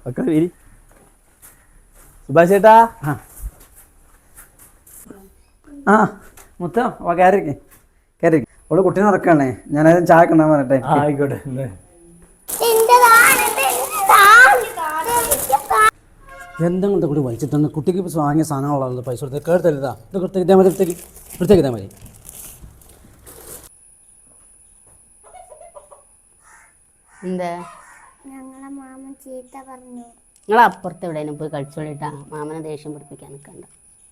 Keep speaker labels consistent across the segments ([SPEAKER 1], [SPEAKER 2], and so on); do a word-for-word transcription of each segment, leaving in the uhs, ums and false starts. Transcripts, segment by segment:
[SPEAKER 1] ഒക്കെ വരി സുഭാഷ് ചേട്ടാ.
[SPEAKER 2] ആ മുത്ത വാ കയറിക്ക് കയറി. അവള് കുട്ടീനെ നടക്കാണേ, ഞാനത് ചായ കണ്ടാൻ പറയട്ടെ.
[SPEAKER 1] ആയിക്കോട്ടെ.
[SPEAKER 2] എന്തെങ്കിലും കൂടി വലിച്ചിട്ടുണ്ട്. കുട്ടിക്ക് ഇപ്പോൾ വാങ്ങിയ സാധനങ്ങളുള്ളത് പൈസ കൊടുത്ത് കേട്ടരുതാ. ഇത് കൊടുത്ത് ഇതേ മതി, എടുത്തേക്ക് എടുത്തേക്ക് ഇതേ മതി.
[SPEAKER 3] എന്താ
[SPEAKER 4] ഞങ്ങളെ മാമൻ ചീത്ത പറഞ്ഞു.
[SPEAKER 3] നിങ്ങൾ അപ്പുറത്ത് എവിടെയും പോയി കഴിച്ചോളിട്ടാ, മാമനെ ദേഷ്യം പിടിപ്പിക്കാൻ നിൽക്കണ്ട.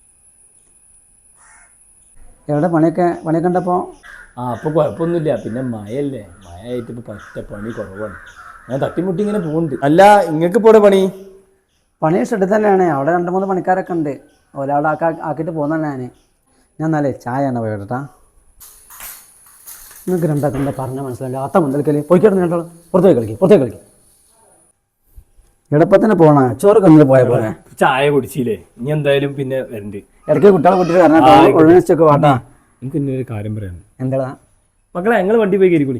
[SPEAKER 2] എവിടെ പണിയൊക്കെ പണിയൊക്കെ ഉണ്ടപ്പോൾ?
[SPEAKER 1] ആ അപ്പോൾ കുഴപ്പമൊന്നുമില്ല. പിന്നെ മഴയല്ലേ, മഴ ആയിട്ട് ഇപ്പോൾ പറ്റ പണി കുറവാണ്. ഞാൻ തട്ടിമുട്ടി ഇങ്ങനെ പോകുന്നുണ്ട്. അല്ല നിങ്ങൾക്ക് ഇപ്പോൾ പണി?
[SPEAKER 2] പണി ഷെഡിൽ തന്നെയാണ്. അവിടെ രണ്ട് മൂന്ന് പണിക്കാരൊക്കെ ഉണ്ട്. ഒരാളെ ആക്കാ ആക്കിയിട്ട് പോകുന്നതാണ് ഞാൻ. ഞാൻ എന്നാലേ ചായ ആണ് പോയിട്ടാ. നിങ്ങൾക്ക് രണ്ടാക്കും എന്താ പറഞ്ഞാൽ മനസ്സിലായില്ല. അത്ത മുതൽക്കല് പോയിക്കിടന്ന് രണ്ടാൾ പുറത്തേക്ക് കളിക്കും, പുറത്തേക്ക് കളിക്കും. എളുപ്പത്തിന് പോകണ ചോറ് കന്നിട്ട് പോയ പോലെ.
[SPEAKER 1] ചായ കുടിച്ചില്ലേ, ഇനി എന്തായാലും പിന്നെ വരണ്ട്.
[SPEAKER 2] ഇടയ്ക്ക് കുട്ടികളെ കുട്ടികൾ ഒഴിഞ്ഞൊക്കെ വാട്ടാ.
[SPEAKER 1] എനിക്ക് ഇന്നൊരു കാര്യം പറയാനുണ്ട്.
[SPEAKER 2] എന്താ
[SPEAKER 1] മക്കളെ, ഞങ്ങൾ വണ്ടി പോയി കയറിക്കൂടി.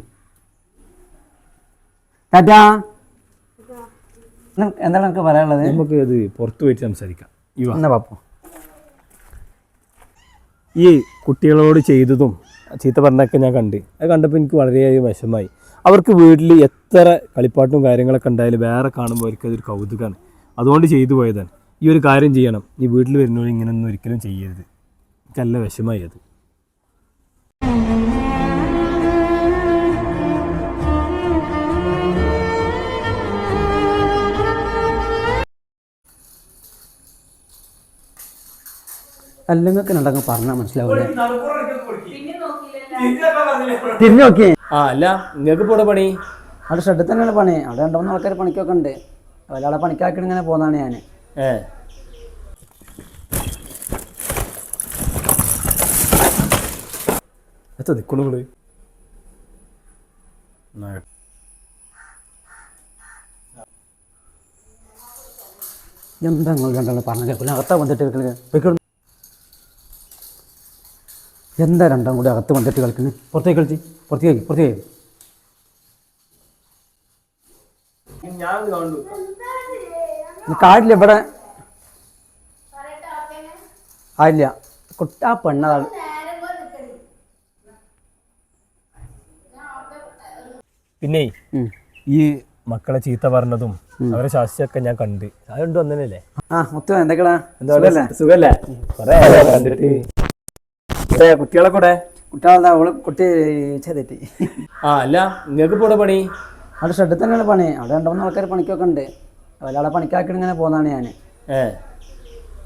[SPEAKER 2] ടാറ്റാ. എന്താണ് എനിക്ക് പറയാനുള്ളത്?
[SPEAKER 1] നമുക്ക് അത് പുറത്ത് പോയിട്ട് സംസാരിക്കാം.
[SPEAKER 2] എന്നാ പാപ്പു,
[SPEAKER 1] ഈ കുട്ടികളോട് ചെയ്തതും ചീത്ത പറഞ്ഞൊക്കെ ഞാൻ കണ്ട്. അത് കണ്ടപ്പോൾ എനിക്ക് വളരെയധികം വിഷമമായി. അവർക്ക് വീട്ടിൽ എത്ര കളിപ്പാട്ടും കാര്യങ്ങളൊക്കെ ഉണ്ടായാലും വേറെ കാണുമ്പോൾ അവർക്ക് അതൊരു കൗതുകമാണ്. അതുകൊണ്ട് ചെയ്തു പോയതാണ്. ഈ ഒരു കാര്യം ചെയ്യണം. ഈ വീട്ടിൽ വരുന്നവർ ഇങ്ങനെയൊന്നും ഒരിക്കലും ചെയ്യരുത്. എനിക്ക് നല്ല വിഷമമായി അത്.
[SPEAKER 2] അല്ലെങ്കിൽ ഉണ്ടെങ്കിൽ പറഞ്ഞാൽ മനസ്സിലാവൂലേ? തിരിഞ്ഞു നോക്കിയേ.
[SPEAKER 1] ആ അല്ല, നിങ്ങൾക്ക് ഇപ്പോൾ പണി?
[SPEAKER 2] അവിടെ ഷെഡിൽ തന്നെയാണ് പണി. അവിടെ രണ്ട് മൂന്ന് ആൾക്കാർ പണിക്കൊക്കെ ഉണ്ട്. ഒരാളെ പണിക്കാക്കിയിട്ട് ഇങ്ങനെ പോകുന്നതാണ് ഞാൻ.
[SPEAKER 1] ഏ എത്ര നിൽക്കണുങ്ങള്?
[SPEAKER 2] എന്താ നിങ്ങൾ രണ്ടാളും പറഞ്ഞ കേൾക്കില്ല? അകത്താ വന്നിട്ട് കളിക്കുന്നത്. എന്താ രണ്ടാം കൂടി അകത്ത് വന്നിട്ട് കളിക്കുന്നത്? പുറത്തേക്ക് കളിച്ച് പുറത്തേക്ക് പുറത്തേക്ക് കാടില്ല ഇവിടെ ആയില്ല. കുട്ട ആ പെണ്ണതാണ്.
[SPEAKER 1] പിന്നെ ഈ മക്കളെ ചീത്ത പറഞ്ഞതും അവരെ ശാസ്ത്രമൊക്കെ ഞാൻ കണ്ട്. അതുകൊണ്ട് വന്നല്ലേ?
[SPEAKER 2] ആ മുത്തു എന്തൊക്കെയാ?
[SPEAKER 1] എന്താ സുഖല്ലേ? കണ്ടിട്ട് കുട്ടികളെ കൂടെ
[SPEAKER 2] കുട്ടികളെന്താ അവള് കുട്ടി ചെയ്തിട്ട്.
[SPEAKER 1] ആ അല്ല, നിങ്ങൾക്ക് ഇപ്പോൾ പണി?
[SPEAKER 2] അവിടെ ഷെഡിൽ തന്നെയാണ് പണി. അവിടെ രണ്ട് മൂന്ന് ആൾക്കാർ പണിക്കൊക്കെ ഉണ്ട്. ഒരാളെ പണിക്കാക്കിയിട്ട് ഇങ്ങനെ പോകുന്നതാണ് ഞാൻ.
[SPEAKER 1] ഏ